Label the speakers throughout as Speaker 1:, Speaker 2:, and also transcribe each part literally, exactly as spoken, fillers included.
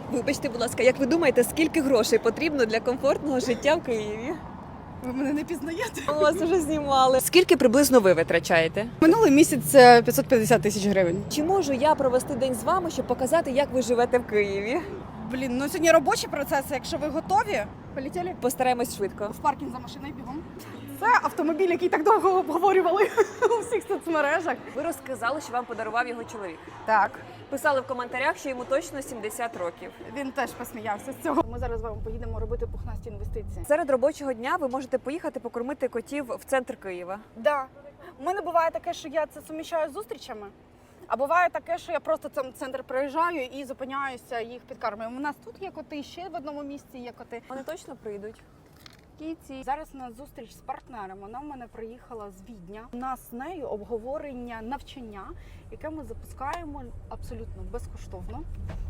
Speaker 1: Вибачте, будь ласка, як ви думаєте, скільки грошей потрібно для комфортного життя в Києві?
Speaker 2: Ви мене не пізнаєте?
Speaker 1: У вас вже знімали. Скільки приблизно ви витрачаєте?
Speaker 2: Минулий місяць е, п'ятсот п'ятдесят тисяч гривень.
Speaker 1: Чи можу я провести день з вами, щоб показати, як ви живете в Києві?
Speaker 2: Блін, ну сьогодні робочі процеси. Якщо ви готові, полетіли
Speaker 1: Постараємось швидко.
Speaker 2: в паркінг за машиною бігом. Це автомобіль, який так довго обговорювали у всіх соцмережах.
Speaker 1: Ви розказали, що вам подарував його чоловік.
Speaker 2: Так,
Speaker 1: Писали в коментарях, що йому точно сімдесят років.
Speaker 2: він теж посміявся з цього. Ми зараз з вами поїдемо робити пухнасті інвестиції.
Speaker 1: Серед робочого дня ви можете поїхати покормити котів в центр Києва.
Speaker 2: Да. У мене буває таке, що я це суміщаю з зустрічами. А буває таке, що я просто в центр приїжджаю і зупиняюся, їх підкармлюю. У нас тут є коти, ще в одному місці є коти.
Speaker 1: Вони точно прийдуть.
Speaker 2: Кіці. Зараз у нас зустріч з партнером. Вона в мене приїхала з Відня. У нас з нею обговорення навчання, яке ми запускаємо абсолютно безкоштовно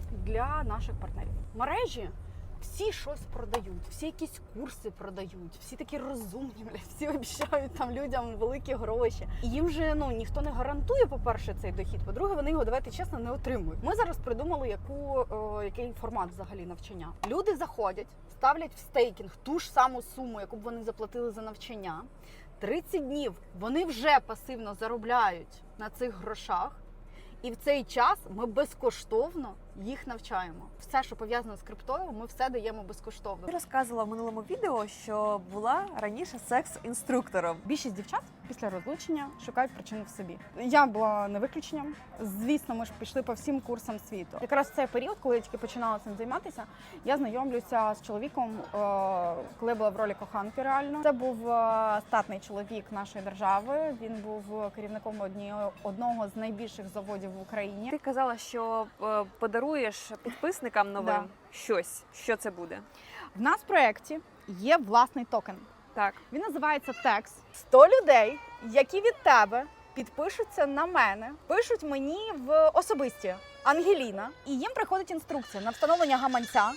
Speaker 2: для наших партнерів. Мережі всі щось продають, всі якісь курси продають, всі такі розумні, бля, всі обіцяють там людям великі гроші. І їм же ну ніхто не гарантує, по-перше, цей дохід. По-друге, вони його, давайте чесно, не отримують. Ми зараз придумали, яку о, який формат взагалі навчання. Люди заходять, ставлять в стейкінг ту ж саму суму, яку б вони заплатили за навчання. тридцять днів вони вже пасивно заробляють на цих грошах. І в цей час ми безкоштовно їх навчаємо. Все, що пов'язано з криптою, ми все даємо безкоштовно.
Speaker 1: Ти розказувала в минулому відео, що була раніше секс-інструктором.
Speaker 2: Більшість дівчат після розлучення шукають причину в собі. Я була не виключенням. Звісно, ми ж пішли по всім курсам світу. Якраз в цей період, коли я тільки починала цим займатися, я знайомлюся з чоловіком, е, коли я була в ролі коханки реально. Це був е, статний чоловік нашої держави. Він був керівником однієї одного з найбільших заводів в Україні.
Speaker 1: Ти казала, що е, подаруєш підписникам новим
Speaker 2: Да.
Speaker 1: щось. Що це буде?
Speaker 2: В нас в проєкті є власний токен.
Speaker 1: Так.
Speaker 2: Він називається Текс. сто людей, які від тебе підпишуться на мене, пишуть мені в особисті Ангеліна, і їм приходить інструкція на встановлення гаманця,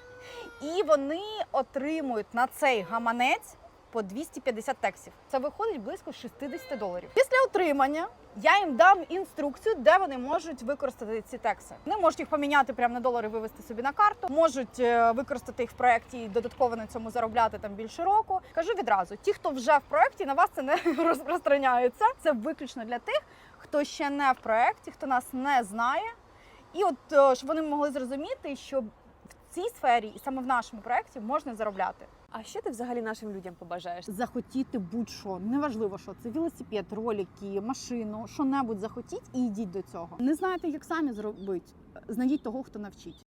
Speaker 2: і вони отримують на цей гаманець по двісті п'ятдесят тексів. Це виходить близько шістдесят доларів. Після отримання я їм дам інструкцію, де вони можуть використати ці текси. Вони можуть їх поміняти прямо на долари, вивести собі на карту, можуть е, використати їх в проєкті і додатково на цьому заробляти там більше року. Кажу відразу, ті, хто вже в проєкті, на вас це не розпространяється. Це виключно для тих, хто ще не в проєкті, хто нас не знає. І от, е, щоб вони могли зрозуміти, що в цій сфері і саме в нашому проєкті можна заробляти.
Speaker 1: А що ти взагалі нашим людям побажаєш?
Speaker 2: Захотіти будь-що, неважливо, що це велосипед, ролики, машину, що-небудь захотіть і йдіть до цього. Не знаєте, як самі зробити, знайдіть того, хто навчить.